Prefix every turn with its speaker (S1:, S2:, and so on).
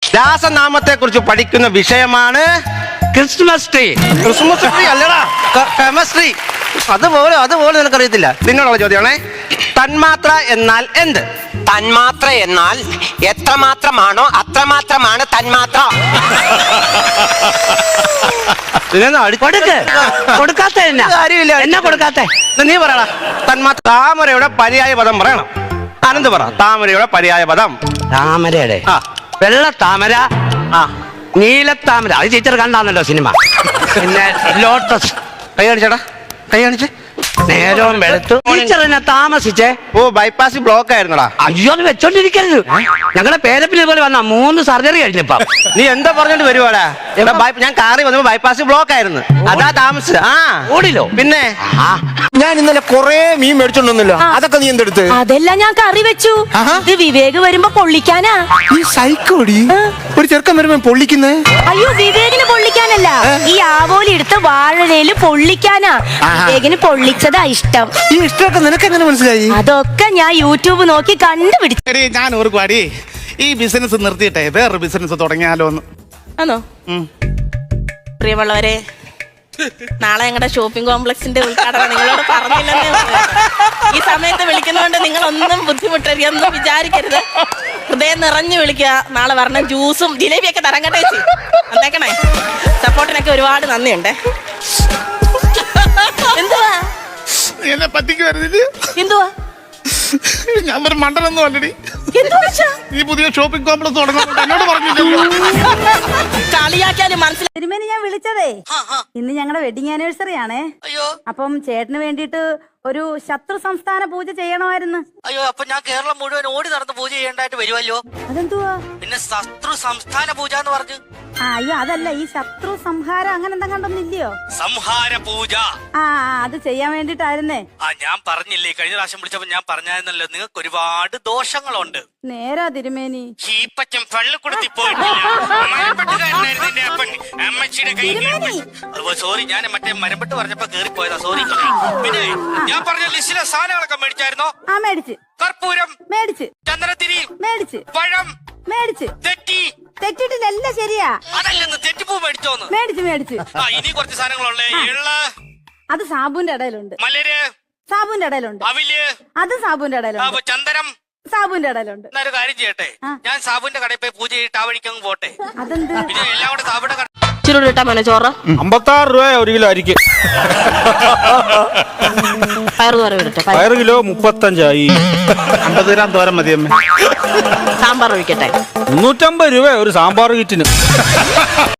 S1: രാസനാമത്തെ കുറിച്ച് പഠിക്കുന്ന വിഷയമാണ്
S2: ക്രിസ്മസ് ട്രീ.
S1: ക്രിസ്മസ് ട്രീ അല്ലടാ, കെമിസ്ട്രി. അതുപോലെ നിനക്കറിയത്തില്ല. നിന്നോടുള്ള ചോദ്യമാണേ. തന്മാത്ര എന്നാൽ എന്ത്?
S3: തന്മാത്ര എന്നാൽ എത്രമാത്രമാണോ അത്രമാത്രമാണ് തന്മാത്ര.
S2: കൊടുക്കാത്ത
S1: കാര്യമില്ല.
S2: എന്നാ കൊടുക്കാത്ത?
S1: നീ പറയടാ. തന്മാത്ര. താമരയുടെ പര്യായ പദം പറയണം. ആനന്ദ് പറ. താമരയുടെ പര്യായ പദം.
S2: താമരയുടെ വെള്ള താമര, നീലത്താമര. അത് ടീച്ചർ കണ്ടാന്നല്ലോ സിനിമ. പിന്നെ ലോട്ടസ്.
S1: കൈ കാണിച്ചേടാ, കൈ കാണിച്ചേ.
S2: നേരവും വെളുത്തു. ടീച്ചർ എന്നെ താമസിച്ചേ.
S1: ഓ, ബൈപ്പാസ് ബ്ലോക്ക് ആയിരുന്നടാ.
S2: അയ്യോ, അത് വെച്ചോണ്ടിരിക്കരുത്. ഞങ്ങളുടെ പേരപ്പിനെ പോലെ വന്ന 3 സർജറി കഴിഞ്ഞപ്പ.
S1: നീ എന്താ പറഞ്ഞോണ്ട് വരുവാടാ? ഞാൻ കാറി വന്നപ്പോ ബൈപ്പാസ് ബ്ലോക്ക് ആയിരുന്നു, അതാ താമസിച്ചത്. ഓടിലോ? പിന്നെ
S4: ഞാൻ ഇന്നലെ കൊറേ മീൻ മേടിച്ചോണ്ടല്ലോ, അതൊക്കെ നീ എന്തെടുത്ത്?
S5: അതെല്ലാം ഞാൻ കറി വെച്ചു. ഇത് വിവേക് വരുമ്പോ പൊള്ളിക്കാനാ.
S4: ഈ സൈക്കോടി ഒരു ചെറുക്കൻ വരുമ്പോ പൊള്ളിക്കുന്നേ?
S5: അയ്യോ, വിവേകിന് പൊള്ളിക്കാനല്ല, ഈ ആവോലി എടുത്ത് വാഴയില് പൊള്ളിക്കാനാ. വിവേകിന് പൊള്ളിച്ചതാ ഇഷ്ടം.
S4: ഈ ഇഷ്ടമൊക്കെ നിനക്ക് എങ്ങനെ മനസ്സിലായി?
S5: അതൊക്കെ ഞാൻ യൂട്യൂബ് നോക്കി കണ്ടുപിടിച്ചു.
S6: ഞാൻ ഓർക്കുവാടി, ഈ ബിസിനസ് നിർത്തിയിട്ടെ വേറൊരു ബിസിനസ് തുടങ്ങിയാലോ എന്ന്.
S7: ആണോ? പ്രിയമുള്ളവരെ, നാളെ ഞങ്ങളുടെ ഷോപ്പിംഗ് കോംപ്ലക്സിന്റെ ഉദ്ഘാടനം നിങ്ങളോട് പറഞ്ഞില്ലെന്നേ. ഈ സമയത്ത് വിളിക്കുന്നതുകൊണ്ട് നിങ്ങളൊന്നും ബുദ്ധിമുട്ടരുതെന്നും വിചാരിക്കരുത്. ഹൃദയം നിറഞ്ഞു വിളിക്കുക. നാളെ പറഞ്ഞ ജ്യൂസും ജിലേബിയൊക്കെ തരാൻ കേട്ടേ. വന്നേക്കണേ. സപ്പോർട്ടിനൊക്കെ ഒരുപാട് നന്ദിയുണ്ട്. എന്തുവാ
S6: എന്നെ പറ്റിക്കുവരുത്.
S7: എന്തുവാ?
S6: ഞാൻ ഒരു മണ്ടനൊന്നും അല്ലടി.
S7: ഈ
S6: പുതിയ ഷോപ്പിംഗ് കോംപ്ലക്സ് തുടങ്ങുന്നുണ്ട് എന്നോട് പറഞ്ഞില്ലല്ലോ.
S7: കളിയാക്കാനും മനസ്സിലായി.
S8: തിരുമേനി, ഞാൻ വിളിച്ചതേ ഇന്ന് ഞങ്ങളുടെ വെഡിങ് ആനിവേഴ്സറി ആണേ. അപ്പം ചേട്ടന് വേണ്ടിട്ട് ഒരു ശത്രു സംസ്ഥാന പൂജ ചെയ്യണമായിരുന്നു.
S3: അയ്യോ, അപ്പൊ ഞാൻ കേരളം മുഴുവൻ ഓടി നടന്ന് പൂജ ചെയ്യേണ്ടായിട്ട് വരുമല്ലോ.
S8: അതെന്തുവാ?
S3: പിന്നെ ശത്രു സംസ്ഥാന പൂജ എന്ന് പറഞ്ഞു.
S8: അയ്യോ, അതല്ല, ഈ ശത്രു സംഹാരം അങ്ങനെ എന്താ കണ്ടൊന്നില്ലയോ?
S3: സംഹാര പൂജ.
S8: അത് ചെയ്യാൻ വേണ്ടിട്ടായിരുന്നേ.
S3: ഞാൻ പറഞ്ഞില്ലേ, കഴിഞ്ഞ പ്രാവശ്യം വിളിച്ചപ്പോ ഞാൻ പറഞ്ഞായിരുന്നല്ലോ, നിങ്ങൾക്ക് ഒരുപാട് ദോഷങ്ങളുണ്ട്.
S8: നേരാ തിരുമേനി.
S3: ചീപ്പച്ചൻ പള്ളിക്കുടത്തി പോയിട്ടില്ല. അമ്മച്ചിയുടെ കൈ. സോറി, ഞാൻ മറ്റേ മരപ്പെട്ട് പറഞ്ഞപ്പോ കേറിപ്പോയതാ. സോറി. പിന്നെ ഞാൻ പറഞ്ഞ ലിസ്റ്റിലെ സാധനങ്ങളൊക്കെ മേടിച്ചായിരുന്നോ?
S8: മേടിച്ച്.
S3: കർപ്പൂരം
S8: മേടിച്ച്.
S3: ചന്ദ്രത്തിരി
S8: മേടിച്ച്.
S3: പഴം
S8: മേടിച്ച്. തെറ്റിട്ടില്ല, എല്ലാം ശരിയാ.
S3: അതല്ലെന്ന് തെറ്റിപ്പൂ മേടിച്ചോന്ന്?
S8: മേടിച്ച്.
S3: ഇനി കുറച്ച് സാധനങ്ങളുള്ളേ. എള്ള്,
S8: അത് സാബുന്റെ ഇടയിലുണ്ട്.
S3: മലര്,
S8: സാബുന്റെ ഇടയിലുണ്ട്.
S3: അവില്,
S8: അത് സാബുന്റെ ഇടയിലുണ്ട്.
S3: ചന്ദനം,
S8: സാബുന്റെ ഇടയിലുണ്ട്.
S3: എന്നൊരു കാര്യം ചെയ്യട്ടെ, ഞാൻ സാബുന്റെ കടയിൽ പോയി പൂജ ചെയ്തിട്ട് ആ വഴിക്കങ്ങ് പോട്ടെ.
S8: അതെന്ത്?
S3: പിന്നെ എല്ലാം കൂടെ സാബുന്റെ കട.
S7: ചുരുട്ടാ മോനെ ചോറ്.
S4: 56 രൂപ 1 കിലോ അരിക്ക്.
S7: പയറ്
S4: കിലോ 35 ആയി. 50 ഗ്രാം തോരൻ മതി അമ്മ.
S7: സാമ്പാർ ഒഴിക്കട്ടെ.
S4: 350 രൂപ ഒരു സാമ്പാർ കിറ്റിന്.